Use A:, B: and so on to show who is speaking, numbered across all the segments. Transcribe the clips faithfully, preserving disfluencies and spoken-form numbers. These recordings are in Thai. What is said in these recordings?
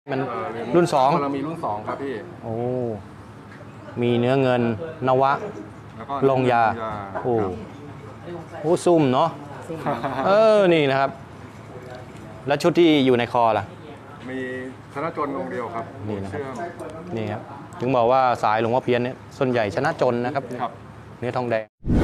A: มันรุ่นสอง
B: เรามีรุ่นสองครับพี่
A: โอ้มีเนื้อเงินนวะลงยาโอ้โหซุ่มเนาะเออนี่นะครับแล้วชุดที่อยู่ในคอล่ะ
B: มีชนะจนองค์เดียวครับ
A: นี่นะครับนี่ครับถึงบอกว่าสายหลวงพ่อเพี้ยนเนี่ยส่วนใหญ่ชนะจนนะครับเนื้อทองแดง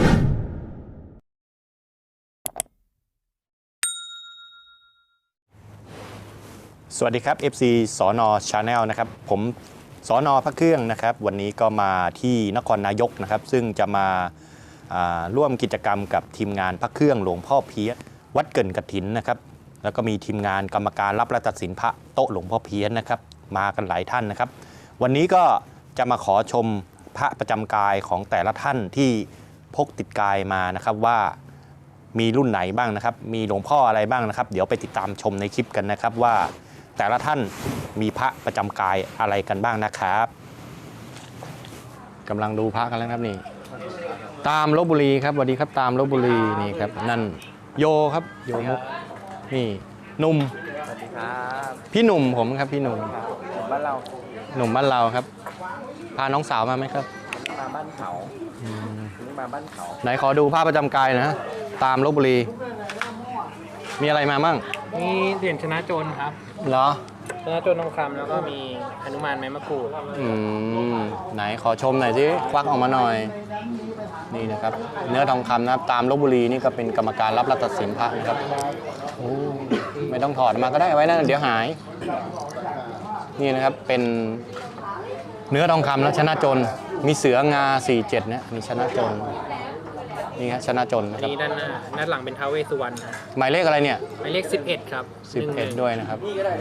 A: สวัสดีครับ เอฟ ซี สน Channel นะครับผมสน พระเครื่องนะครับวันนี้ก็มาที่นครนายกนะครับซึ่งจะมาร่วมกิจกรรมกับทีมงานพระเครื่องหลวงพ่อเพี้ยนวัดเกินกฐินนะครับแล้วก็มีทีมงานกรรมการรับและตัดสินพระโต๊ะหลวงพ่อเพี้ยนนะครับมากันหลายท่านนะครับวันนี้ก็จะมาขอชมพระประจำกายของแต่ละท่านที่พกติดกายมานะครับว่ามีรุ่นไหนบ้างนะครับมีหลวงพ่ออะไรบ้างนะครับเดี๋ยวไปติดตามชมในคลิปกันนะครับว่าแต่ละท่านมีพระประจำกายอะไรกันบ้างนะครับกำลังดูพระกันแล้วครับนี่ตามลพบุรีครับสวัสดีครับตามลพบุรีนี่ครับนั่นโยครับโยมุกนี่หนุ่ม
C: สวัสดีครับ
A: พี่หนุ่มผมครับพี่หนุ่ม
C: บ้านเรา
A: หนุ่มบ้านเราครับพาน้องสาวมาไหมครับ
C: มาบ้านเขานี่มาบ้านเขา
A: ไหนขอดูพระประจำกายนะตามลพบุรีมีอะไรมาบ้าง
C: มีเหรียญชนะโจรครับ
A: เหรอ
C: ชนะโจรทองคำแล้วก็มีหนุมานไม้มะกรูด
A: อืมไหนขอชมหน่อยสิควักออกมาหน่อยนี่นะครับเนื้อทองคำนะครับตามลพบุรีนี่ก็เป็นกรรมการรับรัตสินพระนะครับโอ้ไม่ต้องถอดมาก็ได้ไว้นะเดี๋ยวหายนี่นะครับเป็นเนื้อทองคำแล้วชนะจนมีเสืองาสี่สิบเจ็ดเนี่ยมีชนะจนนี่ครับชนะจนนะครับ
C: นี่ด้านหน้าด้านหลังเป็นท้าวเวสสุวรรณ
A: หมายเลขอะไรเนี่ย
C: หมายเลขสิบเอ็ดครับ
A: สิบเอ็ดด้วยนะครับ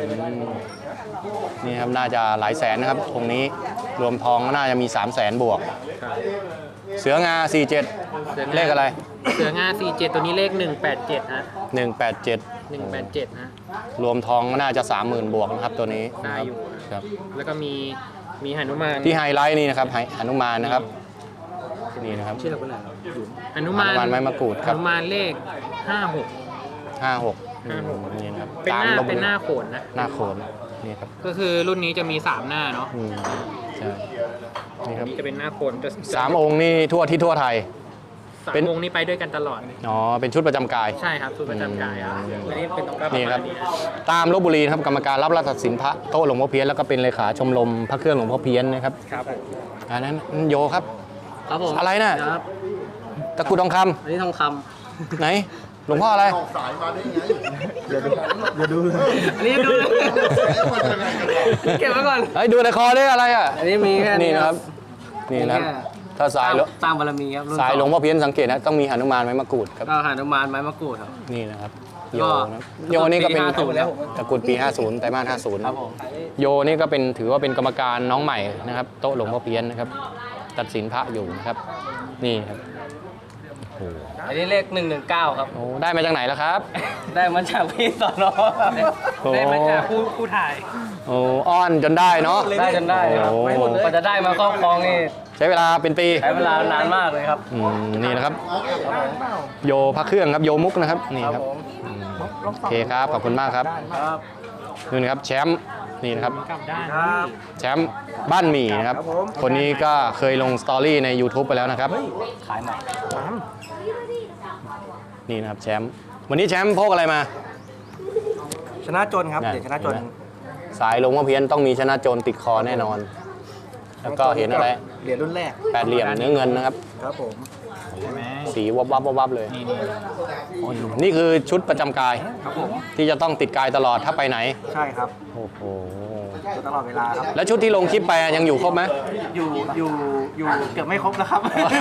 A: นี่ครับน่าจะหลายแสนนะครับตรงนี้รวมทองก็น่าจะมีสามแสนบวกเสืองาสี่สิบเจ็ดเลขอะไร
C: เสืองาสี่สิบเจ็ดตัวนี้เลขหนึ่งแปดเจ็ดฮะ
A: หนึ่งแปดเจ็ด
C: หนึ่งแปดเจ็ดฮะ
A: รวมทองก็น่าจะสามหมื่นบวกนะครับตัวนี้
C: ได้อยู่
A: ครับ
C: แล้วก็มีมีหนุมาน
A: ที่ไฮไลท์นี่นะครับหนุมานนะครับนี่นะครับ
C: ชื่ออะไรหนุมาน
A: ไม้มะกรูดครับ
C: หนุมานเลขห้าหก
A: ห้าหกนี่นะครับ
C: เป็นหน้าเป็นหน้าโขนนะ
A: หน้าโขนนี่ครับ
C: ก็คือรุ่นนี้จะมีสามหน้าเนาะ
A: ใช่นี่ครับ
C: นี่จะเป็นหน้าโขนจะ
A: สามองค์นี่ทั่วที่ทั่วไทย
C: สามองค์นี้ไปด้วยกันตลอด
A: อ๋อเป็นชุดประจำกาย
C: ใช่ครับชุดประจำกายครับอันนี้เป็นตรงกลาง
A: นี่ครับตามลพบุรีครับกรรมการรับรัตสินพระโต๊ะหลวงพ่อเพี้ยนแล้วก็เป็นเลขาชมรมพระเครื่องหลวงพ่อเพี้ยนนะครับ
C: ครับ
A: อันนั้นโยครับ
C: ครับผม
A: อะไรน่ะตะกุดทองค
C: ำอันนี้ทองค
A: ำไหนหลวงพ่ออะไร
B: สายมาได้ไงอย่าดู
C: อย่าดูอันนี้ดูเก็บไว้ก่อน
A: ไอ้ดูในคอได้อะไรอ่ะ
C: อันนี้มีแค่
A: นี้นะครับนี่นะครับถ้าสาย
C: ตามบารมีครับ
A: สายหลวงพ่อเพี้ยนสังเกตนะต้องมีหนุมานไม้มะกรูดครับ
C: หนุมานไม้มะกรูดครับ
A: นี่นะครับโยโยนี่ก็เป็นตะกุดปีห้าสิบไตรมาสห้าสิบครับโยนี่ก็เป็นถือว่าเป็นกรรมการน้องใหม่นะครับโต๊ะหลวงพ่อเพี้ยนนะครับตัดสินพระอยู่นะครับนี่ครับ
C: อันนี้เลขหนึ่งหนึ่งเก้าครับ
A: โอ้ได้มาจากไหนแล้วครับ
C: ได้มาจากพี่สอนอได้มาจากผู้ผู้ถ่าย
A: โอ้อ้อนจนได้เนาะ
C: ได้จนได้ครับกว่าจะได้มาครอบครองนี่
A: ใช้เวลาเป็นปี
C: ใช้เวลานานมากเลยครับ
A: นี่นะครับโยพระเครื่องครับโยมุกนะครับนี่ครับโอเคครับขอบคุณมากครับนี่นะครับแชมป์นี่นะครับแชมป์บ้านหมี่นะครับคนนี้ก็เคยลงสตอรี่ใน ยูทูบ ไปแล้วนะครับ
C: ขายใหม่
A: นี่นะครับแชมป์วันนี้แชมป์พกอะไรมา
C: ชนะจนครับเดี๋ยวชนะจน
A: สายหลวงพ่อเพี้ยนต้องมีชนะจนติดคอแน่นอนแล้วก็เห็นอะไร
C: เหรียญรุ่นแรก
A: แปดเหลี่ยมเนื้อเงินนะครับ
C: ครับผม
A: สีวับวับวับเลยนี่คือชุดประจำกายที่จะต้องติดกายตลอดถ้าไปไหน
C: ใช่ครับ
A: โอ้โห
C: ตลอดเวลาครับ
A: แล้วชุดที่ลงคลิปไปยังอยู่ครบไหม
C: อยู่อยู่อยู่เกือบไม่ครบแล้วครับ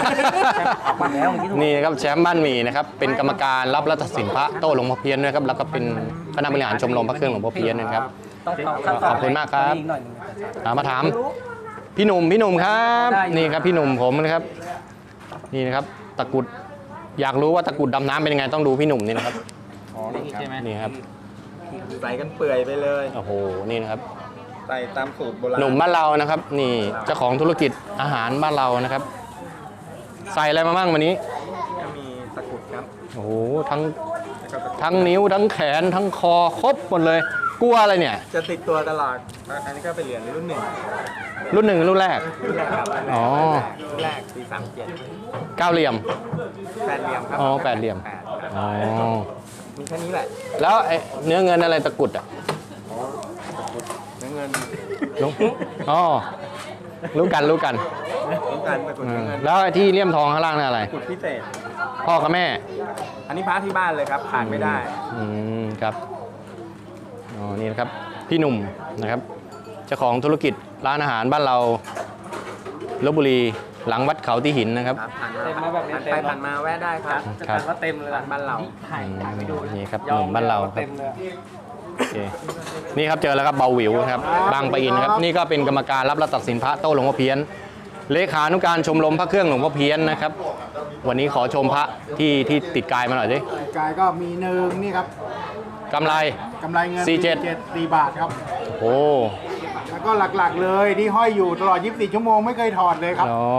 A: นี่นะครับแชมป์บ้านหมี่นะครับเป็นกรรมการรับรัตสินพระโต๊ะหลวงพ่อเพี้ยนนะครับแล้วก็เป็นคณะบริหารชมรมพระเครื่องหลวงพ่อเพี้ยนนะครับขอบคุณมากครับมาถามพี่หนุ่มพี่หนุ่มครับนี่ครับพี่หนุ่มผมนะครับนี่นะครับตะกุดอยากรู้ว่าตะกุดดำน้ำเป็นยังไงต้องดูพี่หนุ่มนี่นะครับ
C: อ๋อนี่ใช่ไหม
A: นี่ครับ
C: ใส่กันเปื่อยไปเลย
A: โอ้โหนี่นะครับ
C: ใส่ตามสูตรโบราณ
A: หนุ่มบ้านเรานะครับนี่เจ้าของธุรกิจอาหารบ้านเรานะครับใส่อะไรมาบ้างวันนี้
C: ก็มีตะกุดครับ
A: โอ้โหทั้งทั้งนิ้วทั้งแขนทั้งคอครบหมดเลยกลัวอะไรเนี่ย
C: จะติดตัวตลอดอันนี้ก็เป็นเหรียญรุ่นหนึ่ง
A: รุ่นหนึ่งรุ่นแรก
C: รุ่นแรกครับ
A: อ๋อ
C: รุ่นแรกปีสามเจ็ด
A: เก้าเหลี่ยม
C: แปดเหลี่ยมครับ
A: อ๋อแปดเหลี่ยม
C: แปด
A: อ๋อ
C: มีแค่นี้แหละ
A: แล้วไอ้เนื้อเงินอะไรตะกรุดอ่ะ
C: เนื้อเงิน
A: รู้อ๋อรู้กันรู้กัน
C: ต้องการตะกรุด
A: อื
C: เนื้
A: ม
C: อเงิน
A: แล้วไอ้ที่เลี่ยมทองข้างล่างนั่นอะไร
C: ตะกรุดพิเศษ
A: พ่อกับแม่
C: อันนี้พระที่บ้านเลยครับขาดไม่ได้
A: อืมครับอ๋อนี่นะครับพี่หนุ่มนะครับเจ้าของธุรกิจร้านอาหารบ้านเราลพบุรีหลังวัดเขาที่หินนะครับ
C: ครับผ่านมาแบบนี้ไปผ่านมาแวะได้ครับ
A: ครับ
C: ว่าเต็มเลยร้านบ้านเรา
A: อืมนี่ครับหนุ่มบ้านเราครับโอเคนี่ครับเจอแล้วครับเบาหวิวนะครับบางปะอินนะครับนี่ก็เป็นกรรมการรับและตัดสินพระโต้หลวงพ่อเพี้ยนเลขานุการชมรมพระเครื่องหลวงพ่อเพี้ยนนะครับ วันนี้ขอชมพระที่ที่ติดกายมาหน่อยสิ
D: กายก็มีหนึ่งนี่ครับ
A: กำไร
D: กำไรเงิน
A: สี่เจ็ด
D: สี่บาทครับ
A: โอ้
D: แล้วก็หลักๆเลยที่ห้อยอยู่ตลอดยี่สิบสี่ชั่วโมงไม่เคยถอดเลยครับ
A: อ๋อ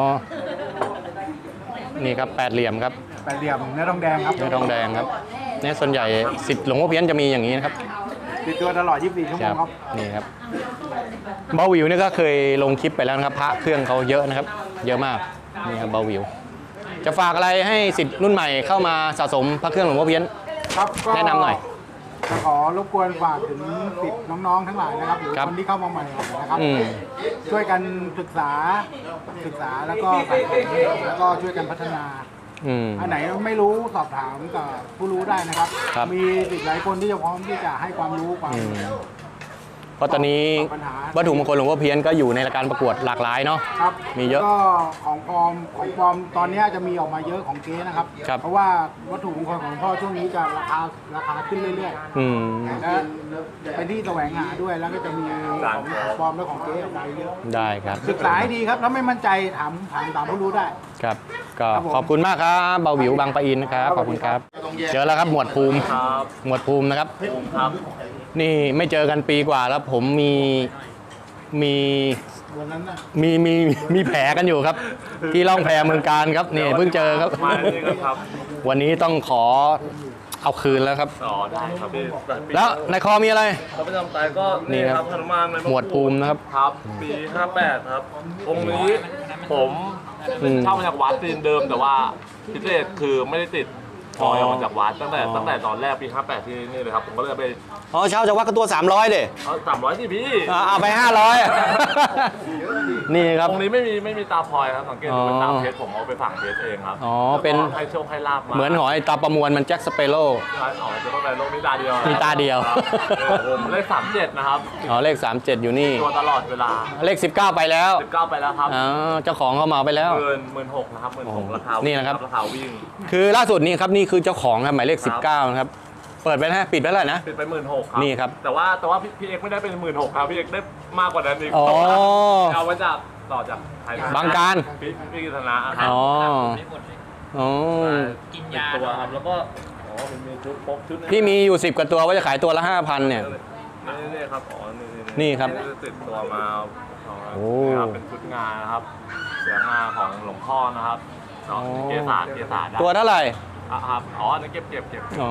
A: นี่ครับแปดเหลี่ยมครับ
D: แปดเหลี่ยมเนื้อทองแดงครับ
A: เนื้อทองแดงครับเนี่ยส่วนใหญ่สิทธิ์หลวงพ่อเพี้ยนจะมีอย่างนี้นะครับ
D: ติดตัวตลอดยี่สิบสี่ชั่วโมงครับ
A: นี่ครับเบาหวิวนี่ก็เคยลงคลิปไปแล้วนะครับพระเครื่องเขาเยอะนะครับ เยอะมากนี่ครับเบาหวิว จะฝากอะไรให้สิทธิ์รุ่นใหม่เข้ามาสะสมพระเครื่องหลวงพ่อเพี้ยน
D: ครับก็
A: แนะนำหน่อย
D: จะขอรบกวนฝากถึงติดน้องๆทั้งหลายนะครับหรือ
A: ครับ
D: คนที่เข้ามาใหม่นะครับ
A: อืม
D: ช่วยกันศึกษาศึกษาแล้วก็สะสมแล้วก็ช่วยกันพัฒนา
A: อืม
D: อันไหนไม่รู้สอบถามกับผู้รู้ได้นะครับ
A: ครับ
D: มีอีกหลายคนที่จะพร้อมที่จะให้ความรู้ความ
A: อืมเพราะตอนนี้
D: ปัญหา
A: วัตถุมงคลหลวงพ่อเพี้ยนก็อยู่ในรายการประกวดหลากหลายเนาะ
D: ครับ
A: มีเยอะ
D: ก็ของปลอมของปลอมตอนนี้จะมีออกมาเยอะของเก๊นะครับ
A: ครับ
D: เพราะว่าวัตถุมงคลของพ่อช่วงนี้จะราคาราคาขึ้นเรื่อย
A: อืม
D: ๆและเป็นที่แสวงหาด้วยแล้วก็จะมีของปลอมและของเก๊ออกมาเยอะ
A: ได้ครับ
D: ศึกษาให้ดีครับแล้วไม่มั่นใจถามถามถามผู้รู้ได้
A: ครับ ก็
D: ครับผม
A: ขอบคุณมากครับเบาหวิวบางปะอินนะครับขอบคุณครับ เจอแล้วครับหมวดภูมิหมวดภูมินะครับ
C: ครับ
A: นี่ไม่เจอกันปีกว่าแล้วผมมีมี
D: วันนั้นน่ะ
A: มีมีมีแผลกันอยู่ครับ ที่ล่องแพเมืองการครับนี่เพิ่งเจอครับ
C: มาเลยครับ
A: วันนี้ต้องขอเอาคืนแล้วครับ
C: อ๋อได้ครับพี่
A: แล้วในคอมีอะไร
C: เขาประจำตายก็
A: นี่
C: นี่
A: ค
C: ค
A: รั
C: รับ บหนุมานใน
A: หมวดภูมินะครับ
C: ครับ ปีห้าแปดครับ องค์นี้ผม
A: อืม
C: เช่ามาจากวัดตีนเดิม แต่ว่าพิเศษคือไม่ได้ติดถอยออกมาจากวัดตั้งแต่
A: อ๋อ
C: ตั้งแต่ตอนแรกปีห้าแปดที่นี่เลยครับ ผมก็เลยไป
A: อ๋อเช่าจากวัดก็ตัวสามร้อยเด้
C: เอาสามร้อยสิพี่
A: เอาไปห้าร้อย นี่ครับ
C: องค์นี้ไม่มีไม่มีตาพลอยครับสังเกตดูเป็น
A: อ๋อ
C: ตาเพชรผมเอาไปฝังเพชรเองครับ
A: อ๋อเป็น
C: ให้โชคให้ลาบมา
A: เหมือนหอยตาประมวลมันแจ็คสเปโร่
C: ใช่อ๋อจะต้องไปโลกนี้ตาเดียว
A: มีตาเดียว
C: ครับผมเลขสามเจ็ดนะครับ
A: อ๋อเลขสามสิบเจ็ดอยู่นี่
C: ตัวตลอดเวลา
A: เลขสิบเก้าไปแล้ว
C: สิบเก้าไปแล้วครับ
A: อ๋อเจ้าของเขามาเอาไปแล้ว
C: หมื่นหมื่นหกนะครับหมื่นหกราคา
A: นี่
C: นี่
A: นะครับ
C: ราคาวิ่ง
A: คือล่าสุดนี่ครับนี่คือเจ้าของครับหมายเลข
C: ครับ
A: สิบเก้านะครับเปิดไปนะฮะปิดไปแล้วนะ
C: ปิดไปหมื่นหกครับ
A: นี่ครับ
C: แต่ว่าแต่ว่าพี่พี่เอกไม่ได้เป็นหมื่นหกครับพี่เอกได้มากกว่านั้นอีก
A: อ๋อ
C: เอามาจากต่อจากไทย
A: บางการ
C: พี่พี่กิตนาครับ
A: อ๋ออ๋อ
C: กินยาตัวครับแล้วก็อ๋อมันมีชุดพกชุด
A: พี่มีอยู่สิบกว่าตัวว่าจะขายตัวละห้าพันเนี่ย
C: นี่นี่ครับอ๋อนี่
A: นี่ครับ
C: ติดตัวมาอ๋อ
A: โอ้
C: นี่ครับเป็นชุดงานนะครับ เสืองาของหลวงพ่อนะครับเนาะ
A: อ๋อ
C: เกสาเกสาได้
A: ตัวเท่าไหร่
C: อ่ะครับอ๋ออันนี่เก็บเก็บเก็บ
A: อ๋อ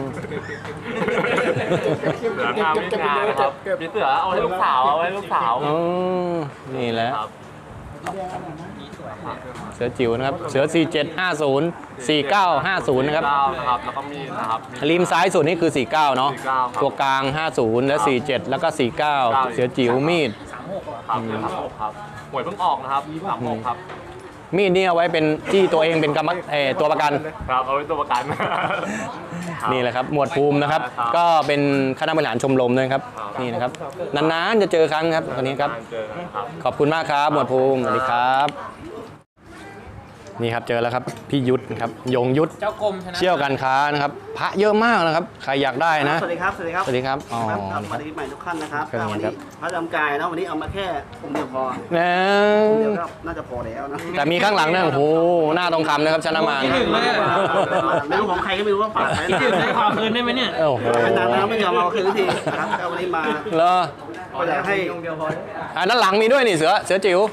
C: เสืองามไม่งานนะครับพี่เสือเอาให้ลูกสาวเอาให้ลูกสาว
A: อ๋อนี่แหละ
C: ครับ
A: เสือจิ๋วนะครับเสือสี่เจ็ดห้าศูนย์ สี่เก้าห้าศูนย์นะครับ
C: เก้านะครับแล้วก็มีดนะครับมีด
A: ริมซ้ายสุดนี่คือสี่เก้าเนาะ
C: สี่เก้าครับ
A: ตัวกลางห้าศูนย์และสี่เจ็ดแล้วก็สี่เก้าเสือจิ๋วมีด
C: ครับสามหกครับหวยเพิ่งออกนะครับสามหกครับ
A: มีดนี่เอาไว้เป็นที่ตัวเองเป็นกรรมเออตัวประกัน
C: ครับเอาไว้ตัวประกัน
A: นี่แหละครับหมวดภูมินะครับ
C: ครับ
A: ก็เป็นคณะบริหารชมรมด้วยครับ
C: ครับ
A: นี่นะครับนานๆจะเจอครั้งครับคนนี้ครับ
C: เจอกันครับ
A: ขอบคุณมากครับหมวดภูมิสวัสดีครับ นี่ครับเจอแล้วครับพี่ยุทธนะครับยงยุทธ
C: เจ้ากรมชนะ
A: เชี่ยวการค้านะครับพระเยอะมากนะครับใครอยากได้นะ
E: สวัสดีครับ สวัสดีครับ
A: สวัสดีครับอ๋อ
E: ครับสวัสดีใหม่ทุกท่านนะครับ
A: ครับ
E: ก็วัน
A: ครั
E: นี้
A: บ
E: พระจำกายเนาะวันนี้เอามาแค่องค์เดียวพอ
A: แล้
E: องค์เดียว
A: ว
E: ก็น่าจะพอแล้วนะ
A: แต่มีข้างหลังเนี่ยโอ้โหหน้าทองคำนะครับชนะมาร
C: ที่หนึ่งเลยอะ
E: ไม่รู้ของใครก็ไม่รู้ว่าฝากไว้
C: คิดถึงได้
E: นะ
C: ขอคืนได้ไหมเนี่ย
A: โอ้โห
E: ไม่นานแล้วไม่ยอมเอาคืนสักทีนะครับก็วันนี้มา
A: เหรอ
E: ก็อยากให้
A: อันนั้นหลังมีด้วยนี่เสือเสือจิ๋ว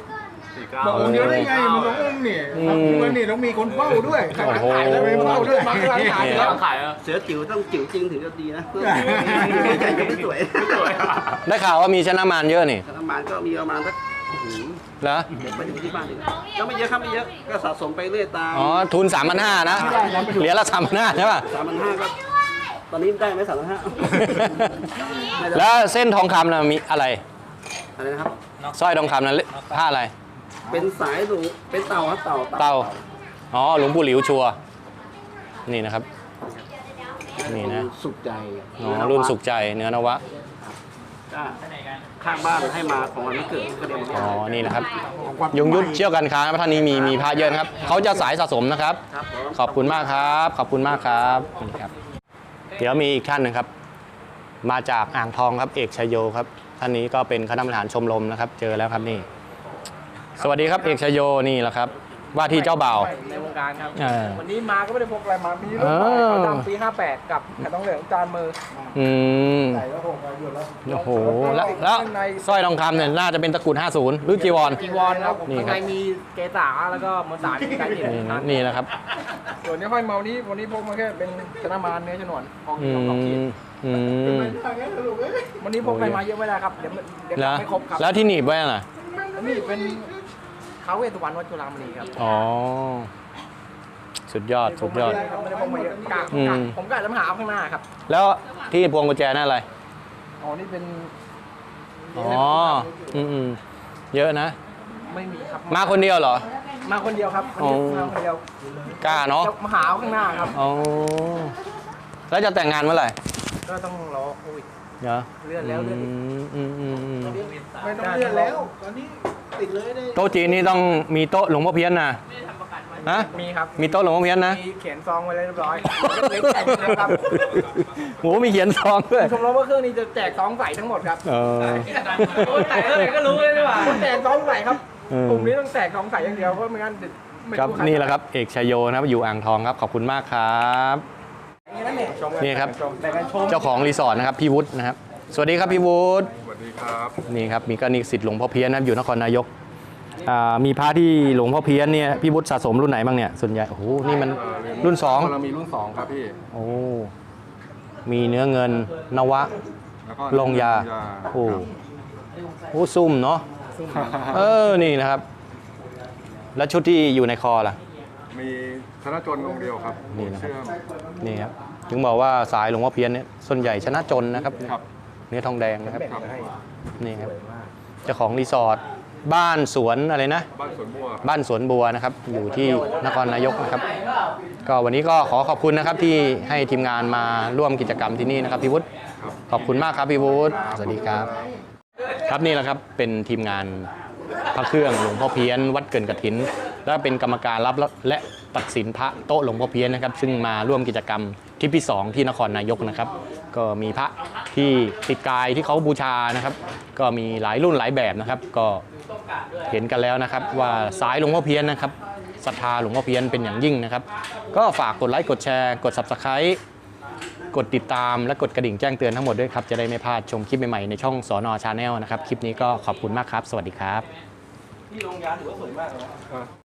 B: สี่เก้า
D: บอกองค์เดียวได้ไงมันต้ององค์นี่
A: อืม
D: มันนี่ต้องมีคนเฝ้าด้วยใคร
A: โอ้โห
D: ขายแล้วไม่เฝ้าด้วยบางร้านขายแล้ว
C: ขายแล้ว
E: เสือจิ๋วต้องจิ๋วจริงถึงจะดีนะเพื่อไม่ใหญ่ก็ไม่สวย
A: ได้ข่าวว่ามีชนะมารเยอะนี่
E: ธนาคารก็มีประมาณสัก
A: เหรอ
E: เก็บไปถึงที่บ้านดีกว่าก็ไม่เยอะครับไม่เยอะก็สะสมไปเรื่อยตาม
A: อ๋อทุนสามพันห้านะเหรียญละสามพันห้าใช่ป่ะ
E: สามพันห้าก็ตอนนี้ได้ไหมสามพันห้า
A: แล้วเส้นทองคำนะมีอะไร
E: อะไรนะครับ
A: สร้อยทองคำนั้นผ้าอะไร
E: เป็นสายหลูเป็นเต่าครับเต่า
A: เต่าอ๋อหลวงปู่หลิวชัวร์นี่นะครับ นี่นะ
E: สุขใจ
A: อ๋อรุ่นสุขใจเนื้อนวะ
E: ก็ข้างบ้านให้มาของวันนี้เกิดก็เดียวมา
A: อ๋อนี่นะครับยงยุทธเชี่ยวกันค้าท่านนี้มีมีพระเยอะนะครับเขาจะสายสะสมนะครับ
E: ครับผม
A: ขอบคุณมากครับ ขอบคุณมากครับนี่ครับ เดี๋ยวมีอีกท่านหนึ่งครับ มาจากอ่างทองครับเอกชัยโยครับท่านนี้ก็เป็นคณะบริหารชมรมนะครับ เจอแล้วครับนี่ สวัสดีครับเอกชัยโยนี่แหละครับ ว่าที่เจ้าบ่าว
C: ในวงการครับ
A: เออ
C: วันนี้มาก็ไม่ได้พกอะไรมา มีรุ่น
A: เอ
C: ใหม่
A: อ
C: ขาวดำปีห้าแปดกับแผ่นทองเหลืองจานมือ
A: อืม
D: ใส่แล้วหกอายุแล้ว
A: โอ้โหแล้วแล้วสร้อยทองคำเนี่ยน่าจะเป็นตระกูลห้าสิบหรือจีวร
C: จีวรครับ
A: นี่
C: ข้าง
A: ครับ
C: ในมีเกษาแล้วก็มนตาที่ใช้หิน
A: นี่นะนี่นะครับ
C: ส่วนนี้ห้อยเมานี้วันนี้พกมาแค่เป็นชนะมารเนื้อชนวนทอง
A: อื
C: คำทองขีด
A: มอืม
C: วันนี้พกอะไรมาเยอะไม่ได้ครับ เดี๋ยวมันเดี๋ยว
A: แล้ว
C: ไม่ครบครับ
A: แล้วที่หนีบไว้น่ะ
C: นี่เป็นท้าวเวสสุวรรณวัดจุฬามณีครับ
A: อ๋อสุดยอดสุดยอด
C: ไม่ได้พกมาเยอะกะ
A: อืม
C: กะผมกะจะมาหาเอาข้างหน้าครับ
A: แล้วที่พวงกุญแจนั่นอะไร
C: อ๋อนี่เป็น
A: อ๋ออืมอืมเยอะนะ
C: ไม่มีครับ
A: มาคนเดียวเหรอ
C: มาคนเดียวครับวัน
A: อ๋
C: นี้
A: อ
C: มาคนเดียว
A: กล้าเนาะ
C: จะมาหาเอาข้างหน้าครับ
A: อ๋อแล้วจะแต่งงานเมื่อไหร่
C: ก็ต้องรอโควิด
A: เนาะ
C: เลื่อนแล้วเลื่อนอีก
A: อืมอืมอืม
D: ไม่ต้องเลื่อนแล้วตอนนี้ติดเลยได้
A: โต๊ะจีนนี่ต้องมีโต๊ะหลวงพ่อเพี้ยนนะฮะ
C: มีครับ
A: มีโต๊ะหลวงพ่อเพี้ยนนะ
C: มีเขียนซองไว้เรียบร้อยเล็กๆแจกนะครับ
A: โหมีเขียนซองด้วย
C: ชมรมว่าเครื่องนี้จะแจกซองใส่ทั้งหมดครับ
A: เออ
C: โอ้ยแต่เท่าไหร่ก็รู้เลยดีกว่าแจกซองใส่ครับ
A: อืม
C: กลุ่มนี้ต้องแจกซองใส่อย่างเดียวเพราะไม่งั้นเดี๋ยวไม่
A: ครับ
C: ใร
A: นี่แหละครับเอกชัยโยนะครับอยู่อ่างทองครับขอบคุณมากครับ นี่ครับ
C: แบ่งกันชม
A: เจ้าของรีสอร์ทนะครับพี่วุฒินะครับ สวัสดีครับพี่วุฒิ
B: สวัสดีครับ
A: นี่ครับมีก็นิสิตหลวงพ่อเพี้ยนนะครับอยู่นครนายกอ่ามีพระที่หลวงพ่อเพี้ยนเนี่ยพี่วุฒิสะสมรุ่นไหนบ้างเนี่ยส่วนใหญ่โอ้โหนี่มันรุ่นสอง
B: เรามีรุ่นสองครับพี่
A: โอ้มีเนื้อเงินนวะ
B: แล้วก็
A: ลงยาโอ้โหซุ่มเนาะเออนี่นะครับ แล้วชุดที่อยู่ในคอล่ะ
B: มีธนจนองค์เดียวครับ
A: นี่นะครับ
B: เชื่อม
A: นี่ครับถึงบอกว่าสายหลวงพ่อเพี้ยนเนี่ยส่วนใหญ่ชนะจนนะครับ
B: ครับ
A: เนื้อทองแดงนะครับ
B: ครับ
A: นี่ครับเจ้าของรีสอร์ทบ้านสวนอะไรนะ
B: บ้านสวนบัว
A: บ้านสวนบัวนะครับ อยู่ที่นครนายกนะครับ ก็วันนี้ก็ขอขอบคุณนะครับที่ให้ทีมงานมาร่วมกิจกรรมที่นี่นะครับพี่วุฒิ
B: ครับ
A: ขอบคุณมากครับพี่วุฒิสวัสดีครับ ครับนี่แหละครับเป็นทีมงานพระเครื่องหลวงพ่อเพี้ยน วัดเกินกฐิน และเป็นกรรมการรับและตัดสินพระโต๊ะหลวงพ่อเพี้ยนนะครับซึ่งมาร่วมกิจกรรมทริปที่สองที่นครนายกนะครับ ก็มีพระที่ติดกายที่เขาบูชานะครับ ก็มีหลายรุ่นหลายแบบนะครับ ก็เห็นกันแล้วนะครับว่าสายหลวงพ่อเพี้ยนนะครับศรัทธาหลวงพ่อเพี้ยนเป็นอย่างยิ่งนะครับ ก็ฝากกดไลค์กดแชร์กด ซับสไครบ์ กดติดตามและกดกระดิ่งแจ้งเตือนทั้งหมดด้วยครับจะได้ไม่พลาดชมคลิปใหม่ๆในช่องสนชาแนลนะครับคลิปนี้ก็ขอบคุณมากครับ สวัสดีครับ
C: ที่โรงยาถือว่าสวยมากเลยนะ